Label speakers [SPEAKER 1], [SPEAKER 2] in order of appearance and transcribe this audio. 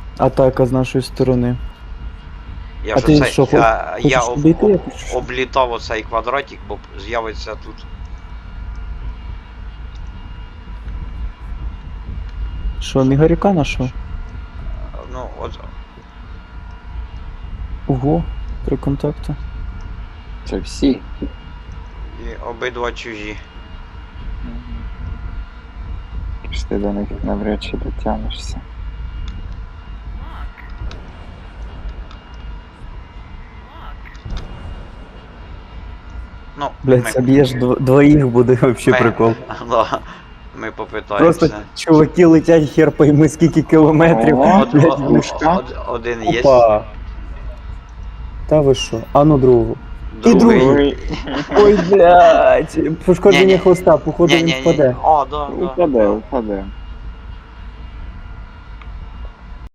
[SPEAKER 1] Атака з нашої сторони.
[SPEAKER 2] Я
[SPEAKER 1] А
[SPEAKER 2] ж
[SPEAKER 1] ти
[SPEAKER 2] оце-
[SPEAKER 1] що,
[SPEAKER 2] я
[SPEAKER 1] хочеш обійти якось?
[SPEAKER 2] облітав оцей квадратик, бо з'явиться тут.
[SPEAKER 1] Що, мігаріка нашов?
[SPEAKER 2] Ну, от.
[SPEAKER 1] Ого, 3 контакти.
[SPEAKER 3] Це всі.
[SPEAKER 2] І обидва чужі.
[SPEAKER 3] Ж ти до них навряд чи дотягнешся.
[SPEAKER 2] Ну,
[SPEAKER 1] Блять, заб'єш двоїх буде вообще прикол.
[SPEAKER 2] Да, ми попитаємося.
[SPEAKER 1] Просто чуваки летять хер пойми скільки кілометрів.
[SPEAKER 3] О,
[SPEAKER 1] блядь,
[SPEAKER 3] пушка.
[SPEAKER 2] Один є.
[SPEAKER 1] Опа. Та ви що? А ну другу. І
[SPEAKER 2] Другий.
[SPEAKER 3] Ой,
[SPEAKER 1] Ой, блядь. Пошкодження
[SPEAKER 2] Ні-ні.
[SPEAKER 1] хвоста, походу він
[SPEAKER 2] Ні-ні-ні.
[SPEAKER 1] впаде.
[SPEAKER 2] О, да, да.
[SPEAKER 3] упаде, упаде.